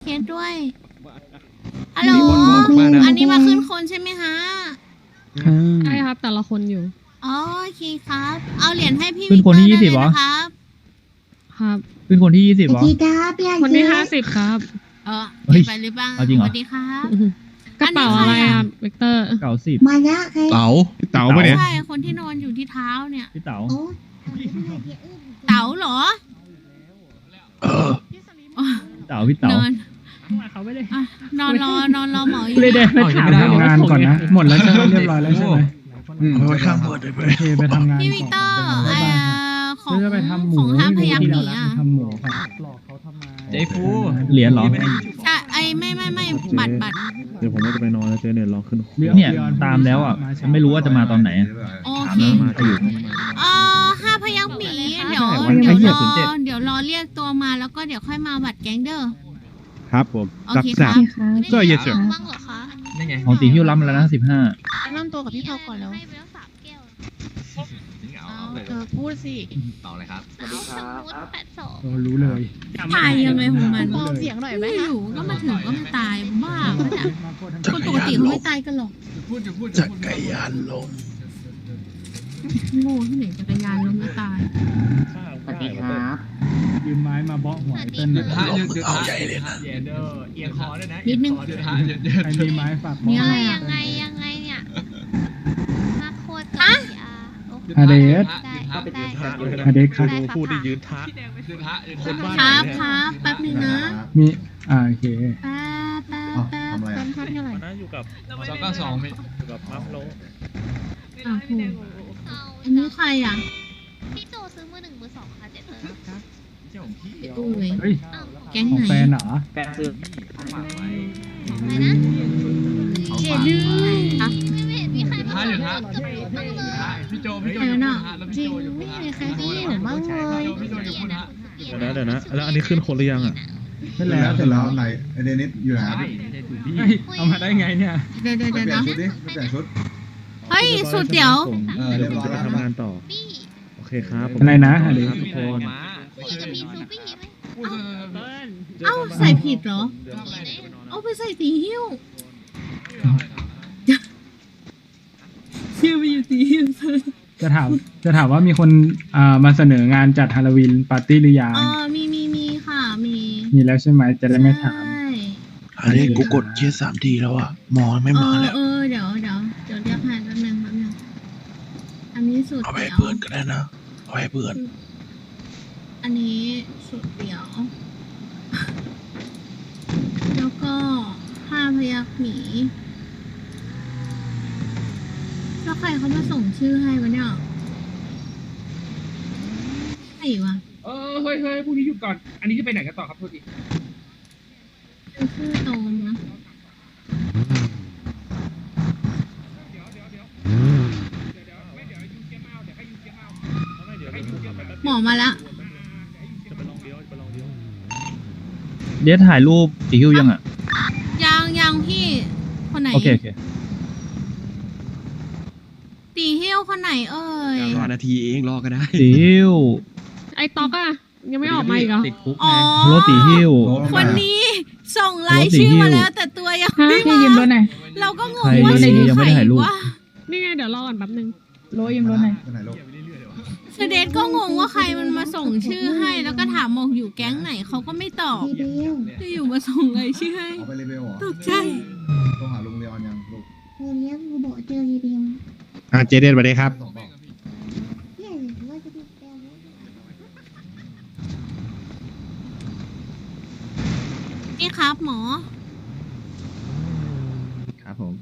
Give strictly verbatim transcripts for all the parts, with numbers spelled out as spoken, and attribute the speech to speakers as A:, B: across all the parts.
A: สด้วยฮัลโหลอันนี้มาขึ้นคนใช่ไหมฮะ
B: ใช่ครับแต่ละคนอยู่
A: อ๋อโอเคครับเอาเหรียญให้พี่
C: ขึ้นคนที่ยี่สิบเหรอ
A: ครับ
B: ครับ
C: ขึ้นคนที่ยี่สิบเหรอ
B: คนที่ห้าสิบครับ
A: เออ
C: เฮ้ย
A: ไปหรือเปล่า
C: เอาจริงเหรอ
A: สวัสดีครับ
B: กระเป๋าอะไรอ่ะเวกเตอร์
C: เก้าสิบ
D: มาละใคร
E: เต๋าเต๋าปะเนี่ย
A: ใช่คนที่นอนอยู่ที่เท้าเนี่ย
C: พี่เต๋า
D: โอ้
A: เต๋าเหรอ
E: เออ
A: อ๋อ
C: เต๋าพี่เต๋าน
A: อน
B: เขาไม่ได้
A: อ่ะนอนรอนอนรอหมออยู่
C: เลยเดินไปถาม
F: ทำงานก่อนนะ หมดแล้วใช่ไหมเรียบร้อยแล้วใช่ไหม
E: เอาไว้ข้างบนเลยไป
F: โอเคไปทำงาน
A: พี่วิกเตอร์เอ่อของ
F: จะไปทำหมู
A: ของห้ามพยักหนี
F: ที่
A: อ่ะ
F: ทำหมูครับหลอกเขาทำไม
C: เจ๊ฟู เหรียญเหรอ
A: ใช่ไอ้ไม่ไม่ไม่บัตรบัตร
G: เดี๋ยวผมก็จะไปนอนแล้วเจ๊เนี่ยรอขึ้น
C: เนี่ยตามแล้วอ่ะฉันไม่รู้ว่าจะมาตอนไหน
A: โอ
C: ถาม
A: เค
C: มาอยู่
A: เอ่อห้าพยักหมีเดี๋ยว
C: ใช่
A: เดี๋ยว
C: วันที่
A: รอ
C: ศูนย์เจ็ด
A: เดี๋ยวรอเรียกตัวมาแล้วก็เดี๋ยวค่อยมาบัตรแก๊งเด้อ
G: ครับผม
A: โอเคครับ
G: ก็เยอะเชียว
H: บ้างเหรอคะ
C: ของตีฮิ้วล้ำแล้วนะสิบห้า
H: แนะนำตัวกับพี่เผาก่อนแล้ว
I: ไม่ไปแล้วสามแก้ว
H: เธอพูดสิ
I: เอาสมมติแปดสอง
F: เรารู้เลย
A: ตายยังไงของมัน
H: ปลอมเสียงหน่อยไหมคะ
A: อยู่ๆก็มาถึงก็มาตายบ้าปะเนี่ยคนปกติเขาไม่ตายกันหรอก
E: จักรยานลม
A: โง่ที่ไหนจักรยานล้มแล้วตาย
F: สวัสดีครับยืมไม้มาเบาะหัวไอ้เต้นหน่อย
E: ลมเอาใจเลยนะ
A: นิดนึง
F: ใครมีไม้ฝาก
A: มี
F: บอก
A: อะไร
I: ยั
A: อ่ะ
I: งไงยังไงเนี่ยมาโคตรกับพีอาร์
F: ฮาเดส
I: ได้ได้
F: ฮาเดสครับ
I: ได้
G: พูดได้ยืน
I: ค่ะ
G: ท้า
A: ครับครับแป๊บนึงนะ
F: มีอ่าโอเค
A: แป๊บแป๊บแป๊บ
H: เป็นพักเท่าไหร่
G: อยู่กับ
J: สองเก้าสองพี่
G: อยู่กับมัฟโล
A: อ่ะโห
I: เอา
A: อันนี้ใครอ่ะ
I: พี่โจซื้อมือหนึ่งมือสองค่ะเจ็ดเลย
A: ไอ้ตู้เลย
F: เฮ้ย
I: อ้าว
A: แก๊ง
F: ของ
A: ไหน
F: แฟนเหรอ
I: อะไรนะ
A: เจดื้ออ่ะ
I: ไม่เห็นมีใครมา
J: ท้าอยู่ท้า
I: กับพี่บ้างเลย
J: พี่โจพี่โจ
A: ใครน่ะ
H: จริงไม่มีใครที่อยู่บ้างเลย
J: พี่โจอยู่พูดนะ
G: เดี๋ยวนะเดี๋ยวนะแล้วอันนี้ขึ้นคนหรือยังอ่ะ
F: เสร็จแล้วเสร็จแล้ว
K: ไหนไอเดนิสอยู่ไหน
F: เฮ้ยเอามาได้ไงเนี่ย
A: เดี๋ยวเดี๋ยว
K: ไป
A: เดี๋ยว
K: เปลี่ย
A: นะ
K: นชุดดิไปเปลี่ยนชุด
A: เฮ้ยสุดเดี๋ยว
K: เออ
G: เดี๋
K: เรี
G: ย
K: ยว บ
G: ผม
K: ร้อย
G: จะ
K: แล้ว
G: ไปทำงานต่อ
I: พี่
G: โอเคครับผม
F: อะไรนะฮาเดส
G: ครับทุกคน
I: คุยกับพี่ซูปี้ไหม
A: เอ้าใส่ผิดเหรอ เอาไปใส่ตีหิ้วชื่อไปอยู่ตีหิ้ว
F: จะถามจะถามว่ามีคนอ่ามาเสนองานจัดฮาโลวีนปาร์ตี้หรือยัง
A: อ๋อมีมีมีค่ะมี
F: มีแล้วใช่ไหมจะได้ไม่ถาม
A: ใช่
E: อันนี้กูกดเชียร์สามทีแล้วอ่ะหมอไม่
A: เอ
E: มา
A: อ
E: แล้ว
A: เออเดี๋ยวเดี๋ยวเดี๋ยวเรียกให้แป๊บนึงแป๊บนึงอันนี้สุด
E: เอาไป
A: เดี๋ยว
E: ให้เพื่อนก็ได้นะเอาไปให้เพื่อน
A: อันนี้สุดเดี๋ยว แล้วก็ห้าพยักหมีแล้วใครเขามาส่งชื่อให้วะเนี่ยใครวะ
J: เออเฮ้ยเฮ้ยพรุ่งนี้หยุดก่อน อันนี้จะไปไหนกันต่อครับโทษที
A: เป็นชื่อตรงนะหมอมาแล้ว
C: เดี๋ยวถ่ายรูปตีฮิ้วยังอ่ะ
A: ยังยังพี่คนไหน
C: โอเคโอเค
A: ตีเฮี้ยวคนไหนเอ่ย
E: รอนาทีเองรอก็ได้
C: ตีฮิ้ว
B: ไอ้ต๊อกอะยังไม่ออกมาอีกเหรอ
C: ติดคุก
A: อ๋อ
C: โรตีฮิ้ว
A: คนนี้ส่งรายชื่อมาแล้ว แต่ตัวยังไม่
H: พี่ยืมรถหน่อย
A: เราก็ง
C: ใครง
A: ว่า
C: ยังไม่ได้ถ่ายรูป
A: ว่า
B: นี่ไงเดี๋ยวรอก่อนแป๊บนึง
H: โรยยืมรถหน่อย
K: ไปไหนลูก
A: เสเดตก็งงว่าใครมันมาส่งชื่อให้ แล้วก็ถามบอกอยู่แก๊งไหนเขาก็ไม่ตอบ
D: ทีเดียว
A: จะอยู่มาส่งรายชื่อให้
K: เอาไปรีเบลเหรอ
A: ตกใจ
K: ต้องหาลุงเลออนยังลูก
D: เธอเลี้ยงกูบอกเจอทีเดียว
G: อ่ะเจเดนสวัสดีครับ
K: ส่งบอก
D: เนี่ยว่าจะดูแกรถ
A: นี่ครับหมอ
E: ครับผม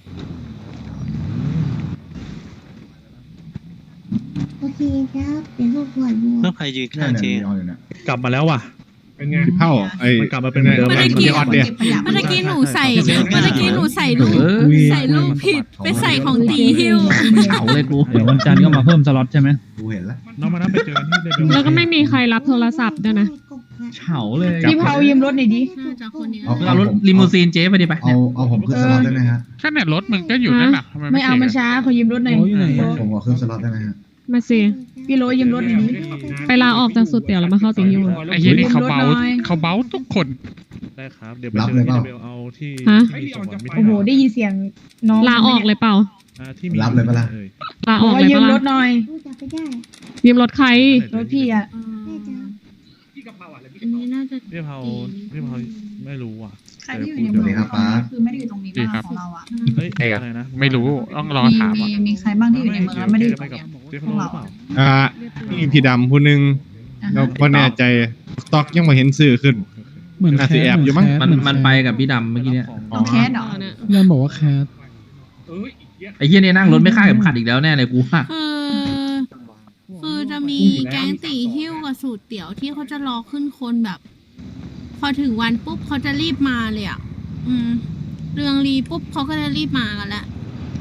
D: โอเคครับเดี๋ยวลูกปวดบัว
E: เพื่อนใครยืน
K: เนี่ย
E: ข้าง
K: เนี่ย
E: เจ
K: ลีออนอยู่เนี่ย
G: กลับมาแล้วว่ะ
J: เป็นไง
G: พี่เผ่าไอ้มันกลับมาเป็นเหมือนเดิม
A: เมื่อ
G: แล้ว
A: กี้
G: เจอออนเนี่ย
A: เมื่อกี้หนูใส่เมื่อกี้หนูใส่รูป
C: เออ
A: ใส่รูปผิดไปใส่ของตีฮิ้ว
C: เฉาเลยกูเดี๋ยววันจันทร์ก็มาเพิ่มสล็อตใช่ไหม
K: กูเห็นแล้ว
G: น้องมานั่งไปเจอกันที่เดบิว
B: แล้วก็ไม่มีใครรับโทรศัพท์ด้วยนะ
C: เฉาเลย
H: พี่เผายืมรถหน่อยดิ
A: น่าจะคนนี้
K: เอา
C: เอารถลิมูซีนเจ๊ไปดิไป
K: เอาเอาผมขึ้นสล็อตได้ไหมฮะ
J: แค่เนี่ยรถมันก็อยู่นั่นแหละทำไม
H: ไม่เอามันช้าขอยืมรถหน่อย
F: โอ้ยอยู่ไหนอะ
K: ผมขอขึ้นสล็อตได้ไหมฮะ
B: มาสิ
H: พี่โรยืมรถหน่อยดิ
B: ไปลาออกจากสุดเตี๋ยวแล้วมาเข้าตีฮิว
J: ไอ้เหี้ยนี่เขาเบา
H: ยืมรถหน่อย
J: เขาเบาทุกคน
G: ได้ครับ เดี๋ยวไปเจอที่เบลเอาที่
B: ฮะ
G: ที่มีสมบัติมิตร
H: โอ้โหได้ยินเสียงน้อง
B: ลาออกเลยเปล่า
G: อ่าที่มี
K: รับเลยปะล่ะ
G: อ่ย
B: ลา
H: บ
B: อ
H: อ
B: อก ก
H: ว่า
B: เลย
H: ยืม
B: ปะ
H: ร
B: ล่ะ
H: ถหน่อย
D: พูดจำไม่ได้
B: ยืมรถใคร
H: รถพี่อ่ะ
D: แม่จ๋า
J: พี่กะเพราอ่ะแล้วพี่
A: อันนี้น่าจะ
G: พี่เผาพี่เผาไม่รู้อ่ะ
H: ใครที่อยู่ในเมืองตอนนี้คือไม่ได้อยู่ตรงนี้บ้างของเราอ่ะ
G: เฮ้ยอะไรนะ
J: ไม่รู้ต้องรอถาม
H: มี
J: อ่ะ
H: มีใครบ้างที่อยู่ในเมืองแล้วไม่ได้อยู่ตรงเนี้ย
G: เจ๊
H: พ
G: เขา
H: วก
G: รู้
H: เรา
G: หรือเปล่า
L: อ่ามีพี่ดำผู้หนึ่ง
H: อ่ะ
L: เราก็แน่ใจสต็อกยังไม่เห็นสื่อขึ้น
F: เหมือน
L: น่า
F: แค
L: สิ
F: ส
L: แอบอยู่มั้ง
F: เห
C: มัน
F: แคส
C: มันไปกับพี่ดำเมื่อกี้เนี่ย
H: ต้องแคสเหรอ
F: เริ่มบอกว่าแคส
J: เอ้ยอีกเยอะ
C: ไอ้เหี้ยนี่นั่งรถไม่คาดเข็มขัดอีกแล้วแน่เลยกูว่า
A: คือคือจะมีแก๊งตีหิ้วกับสูตรเตี๋ยวที่เขาจะรอขึ้นคนแบบ พอถึงวันปุ๊บเขาจะรีบมาเลยอ่ะ อืม เรืองรีปุ๊บเขาก็จะรีบมากันแล้ว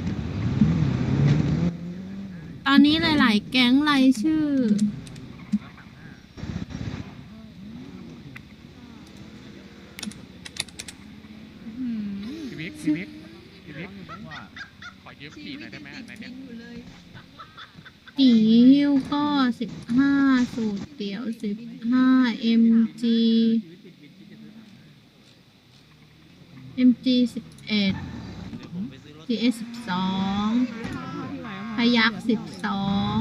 A: ตอนนี้หลาย ๆ แก๊งรายชื่อ
J: พี่วิกพี่วิกพี่วิกขอยืมขี่หน่อยได้ไหมไหนเนี่ย
A: ตีหิ้วก็สิบห้าสูตรเตี๋ยวสิบห้าเอ็มจีเอ็มจีสิบเอ็ดจีเอสสิบสองพยักสิบสอง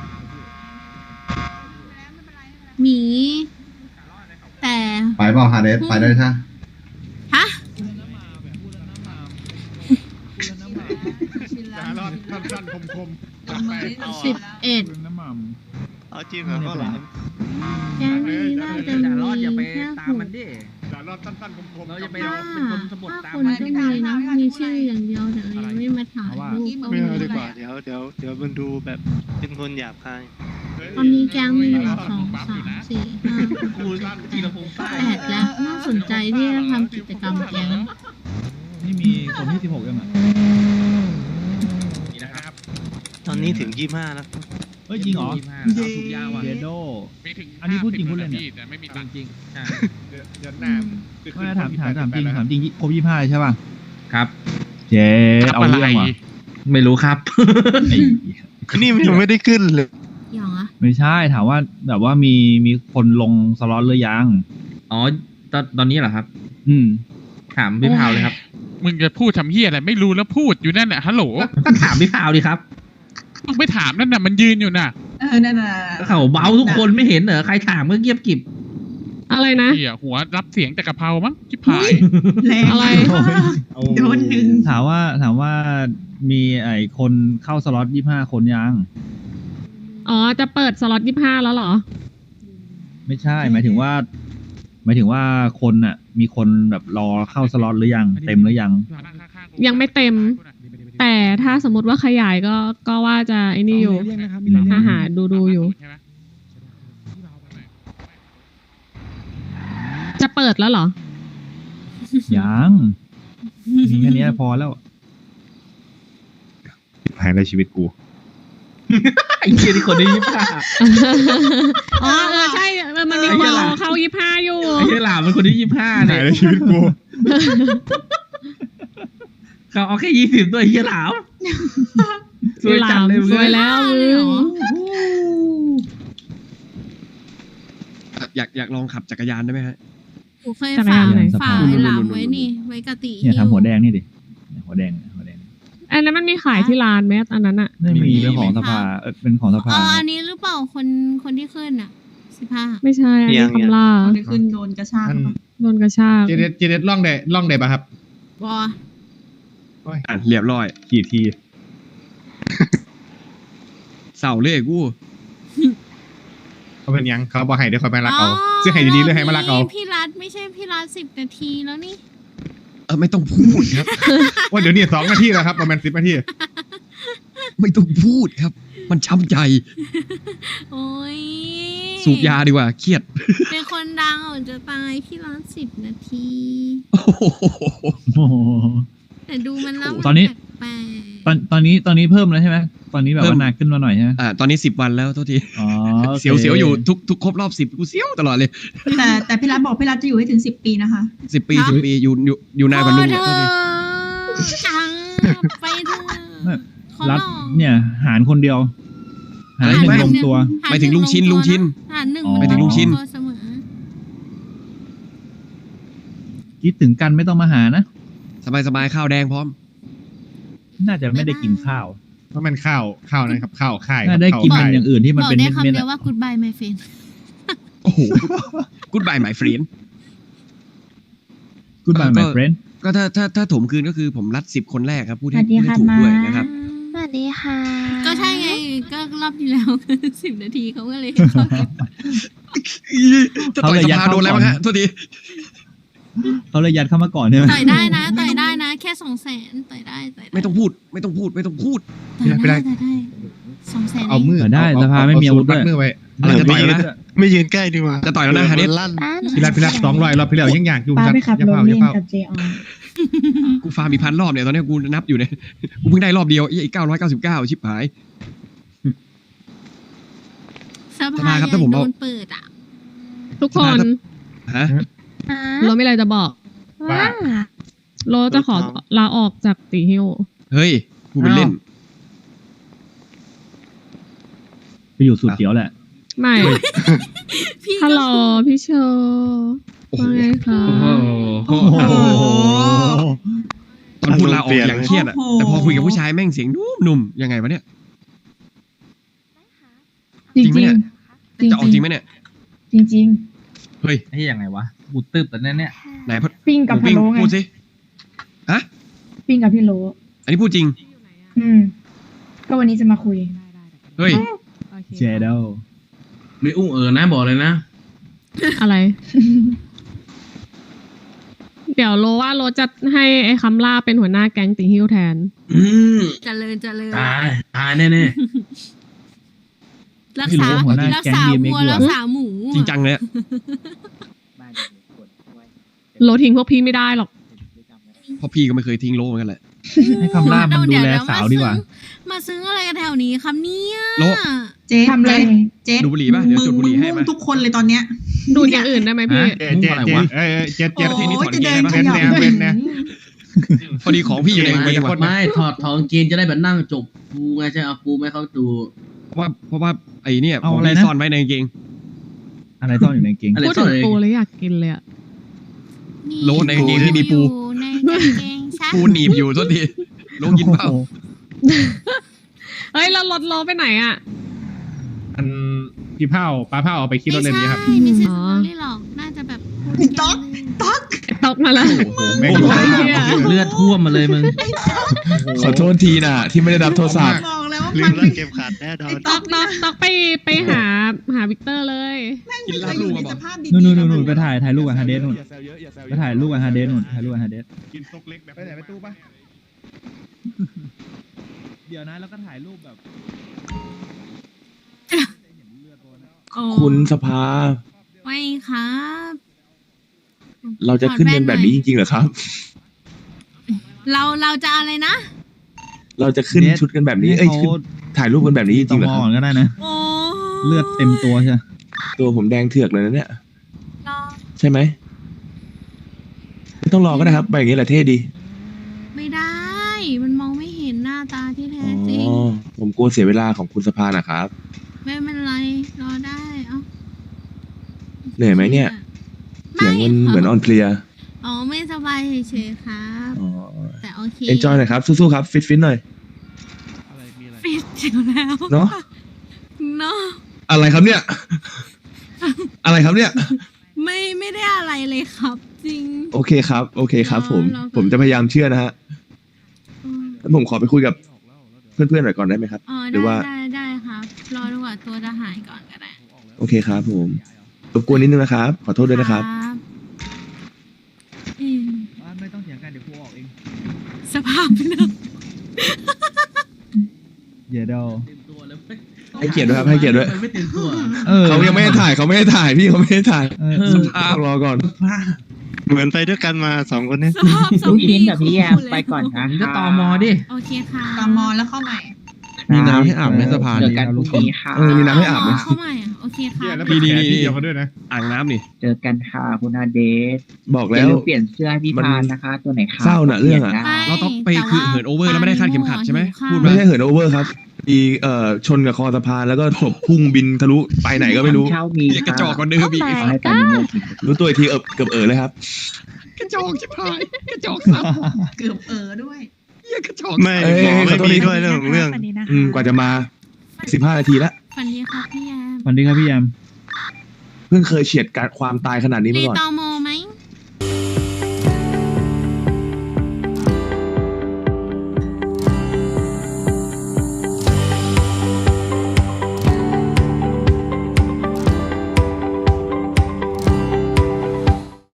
A: หมี แต่
K: ไปเปล่าฮาเดสไปได้ใช่
A: ฮะ
L: สั้นๆคม
A: สิบเอ็ด
L: ๆน้ำมัน
E: เอาจริงเหรอก็หลาม
A: แก๊งนี้น่าจะมีแค่หก
L: แต่รอบสั้นๆคมๆ
C: เราจะไป
A: ถ้าถ้าคนก็มีนะ มีชื่ออย่างเดียวแต่ยังไม่มาถ่ายรูปก็
E: ไม่
A: มี
E: เอาดีกว่าเดี๋ยวเดี๋ยวเดี๋ยวมันดูแบบเป็นคนหยาบคาย
A: ตอนนี้แก๊งมีหนึ่งสองสามสี่ห้า
C: กูจีรพงษ์ใต้
A: แปดแล้ว น่าสนใจที่จะทำกิจกรรมแก๊ง
C: นี่มีคนที่สิบหกยังอ่ะ
J: นี่นะครับ
E: ตอนนี้ถึงยี่ห้าแล้ว
C: เฮ้ยจริงเหรอถูกยาวอ่ะเดโด
J: มีถึง
C: อันนี้พูดจริงพูดเล่นเนี่ย
J: พี่แต่ไม่มีตังค์
C: จริงใช่
L: เดี๋ยวหน้า
C: ไม่ถามถามถามจริงถามจริงครบยี่ห้าใช่ป่ะครับ เจ๊
J: ครับ
C: เอา
J: อะไร
C: เรื่องว่ะไม่รู้ครับ
E: นี่มันยังไม่ได้ขึ้นเลย
A: อย่างอะ
C: ไม่ใช่ถามว่าแบบว่ามีมีคนลงสล็อตหรือยัง อ๋อตอนตอนนี้เหรอครับ อืม ถามพี่พาวเลยครับ
J: มึงจะพูดทำเฮียอะไรไม่รู้แล้วพูดอยู่นั่นแหละฮัลโหล
C: ก็ถามพี่พาวดิครับ
J: มึงไปถามนั่นน่ะมันยืนอยู่น่ะ
H: เออนั่นน่ะ
C: เขาเบาทุกคนไม่เห็นเหรอใครถามก็เงียบกริบ
B: อะไรนะ
J: เฮียหัวรับเสียงแต่กะเพรามั้งชิบหาย
H: แรง
B: อะไร
H: โดนหนึ่ง
C: ถามว่าถามว่ามีไอ้คนเข้าสล็อตยี่ห้าคนยัง
B: อ๋อ จะเปิดสล็อตยี่ห้าแล้วเหรอ
C: ไม่ใช่ หมายถึงว่า หมายถึงว่าคนน่ะ มีคนแบบรอเข้าสล็อตหรือยังเต็มหรือยัง
B: ยังไม่เต็ม แต่ถ้าสมมติว่าขยายก็ก็ว่าจะไอ้นี่อยู่อาหารดูดูอยู่ จะเปิดแล้วเหรอ
C: ยังมีแค่เนี้ยพอแล้ว
L: หายในชีวิตกู
C: ไอ้เหี้ยที่คนได้ยี่ห้า
B: อ๋อเออใช่เออมันมีคนรอเข้ายี่ห้าอยู่
C: ไอ้เหี้ยหลามเป็นคนที่ยี่ห้า
L: หา
C: เนี่ย
L: ยในชีวิตกู
C: เขาเอาแค่ยี่สิบตัวไอ้เหี้ยหลามสวยจังเลย
B: สวยแล้วมึง
K: อยากอยากลองขับจักรยานได้ไหมฮะ
A: กูเคยฝากฝากไอ้หลามไว้นี่ ไว้กะติ
C: เนี่ย
A: หิ้
C: ทำหัวแดงนี่ดิเนี่ยหัวแดงหัวแดง
B: อันนั้นมันมีขายที่ร้านไหมอันนั้นอะ
C: ไม่มีเป็นของสภาเออเป็นของสภา
A: เอออันนี้หรือเปล่าคนคนที่ขึ้นอ่ะสิบห้า
B: ไม่ใช่ อันนี้
E: ยัง
B: คำล่า
H: คนที่ขึ้นโดนกระชาก
L: อัน
H: ปะ
B: โดนกระชาก
L: เจเดสเจเดสล่องได้ล่องได้ป่ะครับ
A: บอ
K: อ่ะเรียบร้อย
L: กี่ที
K: เสาเลยกู
L: เขาเป็นยังเขาบอกให้เดี๋ยวคอยมารักเอาซื้อให้ดีๆเลยให้มารักเอา
A: พี่รัฐไม่ใช่พี่รัฐสิบนาทีแล้วนี่
K: เออไม่ต้องพูดครับ
L: ว่าเดี๋ยวนี้สองนาทีแล้วครับประมาณสิบนาที
K: ไม่ต้องพูดครับ มันช้ำใจ
A: โอ้ย
K: สูบยาดีกว่าเครียด
A: เป็นคนดังอ่ะจะตายพี่รัฐสิบนาที
K: โอ้โห
C: โอ้โห
A: แต่ดูมันแล้ว
C: ตอนนี้
A: แปลก
C: ตอนตอนนี้ตอนนี้เพิ่มแล้วใช่ไหมตอนนี้แบบว่าหนักขึ้นมาหน่อยใช่ไหม
K: อ่าตอนนี้สิบวันแล้วโทษที
C: อ๋อโอค
K: เสียวเสียวอยู่ทุกทุกครบรอบสิบกูเสียวตลอดเลย
H: แต่แต่พี่รัฐบอกพี่รัฐจะอยู่ให้ถึงสิบปีนะคะ
K: สิบปีสิบปีอยู่อยู่อยู่นานกว่าลุง
A: เธ
K: เนี่ยโทษที
A: อจังไปเถอะ
C: ไม่
A: ขอ
C: รัฐ
A: ร้อง
C: เนี่ย หารคนเดียวหารหนึ่งลงตัว
A: หาร
K: ไปถึงลุงชิน
A: ห
K: ลุงชิน
A: หารหนึ่ง
C: อ๋อ
K: ไปถึงลุงชิน
A: ตัวเสมอ
C: คิดถึงกันไม่ต้องมาหานะ
K: สบายสบายๆข้าวแดงพร้อม
C: น่าจะไม่ได้กินข้าว
L: เพราะมันข้าวข้าวนะครับข้าวข่าย
C: น่าได้กินมันอย่างอื่นที่มัน
A: บอก
C: เป็น
A: ได้
C: เม็ด
A: คำ
C: เม็ด
A: เดียวว่า goodbye my friend
K: โอ้โหกูดบายหมายเฟรน
C: กูดบาย my friend
K: ก็ถ้าถ้าถ้าถมคืนก็คือผมรัดสิบคนแรกครับพูดให้พูดให้ถูกด้วยนะครับ
I: สวัสดีค่ะ
A: ก็ใช่ไงก็รอบที่แล้ว สิบนาทีเขาก็เลยให้เข้าเก็บ
K: จะต่อยสภาโดนอะไรบ้างฮะโทษที
C: เขาเลยยัดเข้ามาก่อนใช่ไหม
A: ต่อยได้นะต่อยได้นะ แค่สองแสนต่อยได้ต่อยได้
K: ไม่ต้องพูดไม่ต้องพูดไม่ต้องพูด
A: ต่อยได้ต่อยได้สองแสน
L: เอามือ
C: ได้
L: เอ
C: สภาไม่มีอาวุธ
L: เอ
C: ด้วย
L: มือไว้
K: อะไรจะต่อยแล้วนะ
E: ไม่ยืนใกล้ดีกว่า
K: จะต่อยแล้วนะฮะเดช
E: ลั่น
L: พี่รัตพี่รัตสองร้อยรอบพี่แล้วยังอยากอยู่
D: ป้า
L: จัด
D: ไปขับ
L: อย่าร
D: ถ
L: เผาอ
D: เล่
L: ย่าน เผา
D: กับเจออน
K: กูฟาร์มมีพันรอบเนี่ยตอนนี้กูนับอยู่เนี่ยกูเพิ่งได้รอบเดียวอีกเก้าร้อยเก้าสิบเก้าชิบหาย
A: ส
K: ส
A: ภา
K: ภาครับ
A: ใหญ่
K: ถ้าผม
A: โด
K: เอา
A: นเปิดอ่ะ
B: ทุกคน
K: ฮะ
B: โรมีอะไรจะบอก
E: ว่า
B: โรจะขอลาออกจากตีฮิว
K: เฮ้ยกูเป็นเล่น
C: ไปอยู่สูตรเขียวแหละ
B: ไม่
A: พี่
B: ฮัลโหล
A: ก็
B: พี่โชว์ว่าไงคะ
C: โอ้โห
K: ตอนพูดลาออกอย่างเครียดอะแต่พอคุยกับผู้ชายแม่งเสียงนุ่มๆยังไงวะเนี่ย
D: จริง
K: จริงไหม
D: จริ
K: เนี่ย
D: ง
K: จะออกจริงไหมเนี่ย
D: จริงจริง
K: เฮ้ย
C: ไอ้ยังไงวะบูตึบแต่นั่นเนี่ย
K: ไหนพ
D: ปิ้งกับพะ
K: ปิ้ง
D: โล้ไง
K: พูดสิฮะ
D: ปิ้งกับพี่โล
K: อันนี้พูดจริง
D: อืม ก็วันนี้จะมาคุย
K: เฮ้ย
C: เจเดล
M: ไม่อุ้งเออนะบอกเลยนะ
B: อะไร เดี๋ยวโรว่าโรจะให้ไอ้คำล่าเป็นหัวหน้าแก๊งตีฮิวแทน
M: อืม
A: เจริญเจริญ
M: ตายตายแน่
A: รักษารักษาวัวรักษาหมู
K: จริงจังเลยอะ
B: โรทิ้งพวกพี่ไม่ได้หรอก
K: เพราะพี่ก็ไม่เคยทิ้งโลเหมือนกันแหละ
C: ให้คำล่ามันดูแลสาวดีกว่า
A: มาซื้ออะไรกันแถวนี้ครับเนี่ย
K: โล
H: เจ๊
D: ทำอะไร
H: เจ๊
K: ดูบุหรี่ป่ะเดี๋ยวจุดบุหรี่ให้
H: มึ
K: มา
H: งทุกคนเลยตอนเนี้ย
B: ดูดอย่างอื่นได้ไหมพี่
L: เจ๊เจ๊เจ๊เอ้ยเอ้ยเจ๊เจ๊
H: โอ้
L: ที่นี่
H: ย
L: ถอน
H: จะ
L: เก
H: เดิ
L: ง
H: น
L: นะ
H: ข
L: เว้น
H: ยับ
L: แนวเว้นนะ
K: พอดีของพี่อยู่ใน
M: ๆ
K: ในจังหวัด
M: ไม่ถอดถอดกางเกงจะได้แบบนั่งจบกูไงใช่เอากูไม่เข้าดู
K: เพราะว่าเพราะว่าไอ้เนี่ย
C: เอา
K: ของ
C: อะไร
K: ที่
C: นะ
K: ซ่อนไว้ในกางเกง
C: อะไรซ่อนอยู่ในกางเกง
M: อะไร
B: พูด
M: ซ่อ
B: ถึ
M: น
B: ง
M: เลย
B: ปูเลยอยากกินเลยอะ
K: โลในกางเกงที่มีปู
A: อยู่ในกางเกงชัก
K: ปูหนีบอยู่โทษทีโลกินเปล่า
B: เฮ้ยแล้วรถโรไปไหนอะ
L: อันพี่เผาปลาเผาเอาไปขี่รถเล่นนี้ครับ
A: ไม่ใช่
B: อ๋อ
A: ไม่หรอกน่าจะแบบ
H: ต๊อกต๊อก
B: ตกมาแล้ว
L: โอ้โหแม่ง
B: โอ้
L: อยู่
B: โห
L: ข้าง
B: เหี้ย
C: เลือดท่วมมาเลยมึง
E: ขอโทษทีนะที่ไม่ได้รับโทรศัพท์
H: บอกแล้วว่า
E: ลื
H: มั
E: ม
H: น
E: เรื่องเกมขาดแน่นอน
B: ตอกตอกตอกไปไปหาหาวิกเตอร์เลย
K: กินลาบลูกมาบอก
C: นู่นนู่นนู่นไปถ่ายถ่ายรูปกับฮาเดสนู่นไปถ่ายรูปกับฮาเดสนู่นถ่ายรูปกับฮาเดส
L: กินซกเล็กแบบไปไหนไปตู้ปะ
C: เดี๋ยวนะแล้วก็ถ่ายรูปแบบ
E: คุณสภา
A: ไม่ครับ
E: เราจะขึ้นเงินแบบนี้จริงๆเหรอครับ
A: เราเราจะอะไรนะ
E: เราจะขึ้นชุดกันแบบนี้ เอ้ยขึ้นถ่ายรูปกันแบบนี้จริงๆเหรอ
C: ต
E: ครับ
C: มก็ได้นะ
A: โอ้
C: เลือดเต็มตัวใช่ไหม
E: ตัวผมแดงเถือกเลยนะเนี่ย
A: รอ
E: ใช่ไหมไม่ต้องรอก็ได้ครับไปอย่างนี้แหละเท่ดี
A: ไม่ได้ มันมองไม่เห็นหน้าตาที่
E: อ๋
A: แท้จริง
E: อ ผมกลัวเสียเวลาของคุณสภานะครับ
A: ไม่เป็นไร รอได้ เอ้า
E: เหนื่อยไหมเนี่ย เสียงมันเหมือนอ่อนเพลีย
A: อ๋อ ไม่สบายเฉยๆครับ
E: อ๋อ
A: แต่โอเค
E: เอนจอยหน่อยครับ สู้ๆครับ ฟิตฟิตหน่อย
G: อะไรมีอะไร
A: ปิดอยู่แล้ว
E: เนาะ
A: เนาะ
E: อะไรครับเนี่ย อะไรครับเนี่ย
A: ไม่ไม่ได้อะไรเลยครับ จริง
E: โอเคครับ โอเคครับ ผม
A: รอก่อน
E: ผมจะพยายามเชื่อนะฮะ
A: อืม
E: แล้วผมขอไปคุยกับเพื่อนๆหน่อยก่อนได้ไหมครับ
A: อ๋อ
E: หรือ
A: ได้
E: ว่า
A: ได้ได้ครับ รอดีกว่าตัวจะหายก่อนก็ได้
E: โอเคครับผมรบกวนนิดนึงนะครับ ขอโทษด้วยนะครับ
A: อืม
C: ไม่ต้องเถียงกันเดี๋ยวกูออกเอง
A: สภาพเนอะ
C: เยเดล
M: เต็มตัวเลยเว้ย
E: ให้เกียรติด้วยครับให้เกียรติด้วย
M: ไม่เต็มตัว
C: เออ
E: เขายังไม่ให้ถ่ายเขาไม่ให้ถ่ายพี่เขาไม่ให้ถ่าย
C: เออ
E: สภาพรอก่อน เหมือนไปด้วยกันมาสองคนนี้
A: สภาพสม
N: ลูกชิ้นกับพี่แยม
A: คู่เลย
N: ไปก่อนนะ
M: มึงก็ตอมอดิ
A: โอเคค่ะ
H: ตามมอแล้วเข้าใหม่
E: มีน้ำให้อาบไหมสภา
N: เจอกันพรุ่งนี้ค่ะ
E: เออมีน้ำให้อาบไหม
A: เข้าใหม่อ่ะโอเคค่ะ
L: เหี้ยแล้วเป็นแขนที่เดียวกันด้วยนะ
K: อ่างน้ำนี่
N: เจอกันค่ะคุณอาเดส
E: บอก
N: อย่า
E: แล้ว
N: ลืมเปลี่ยนเสื้อให้พี่
E: มัน
N: พานนะคะ ตัวไหนขาด
E: เศร้าน่ะเรื่องอะ
N: ปลี่ยนได้
K: เราต้องไปคือเหินโอเวอร์แล้วไม่ได้คาดเข็มขัดใช่ไหมพูด
E: ไม่
K: มา
E: ใช่เหินโอเวอร์ครับมีเอ่อชนกับคอสะพานแล้วก็ศพพุ่งบินทะลุไปไหนก็ไม่รู้
N: เช่ามี
K: เหี้ยกระจอกกว่าเดิมอีก
N: ขอให้ตอนนี้โมถึง
E: รู้ตัวอีกทีเอบเกือบเออเลยครับ
K: กระจอกชิบหายกระจอกซับ
H: เกือบเออด้วย
K: เหี้ยกระจอก
L: ไม่
E: เอ้ย
L: หมอ
E: ข
L: ไม่
E: อโทษ
L: มี
E: ที
L: ด้วยเรื่องของเรื่อง
E: อืมกว่าจะมาสิบห้านาทีแล้ว
A: ฝันดีครับพี่แยม
C: วันนี้ครับพี่แยม
E: เพิ่งเคยเฉียดการความตายขนาดนี้
A: รี
E: มาก่อน
A: ตอ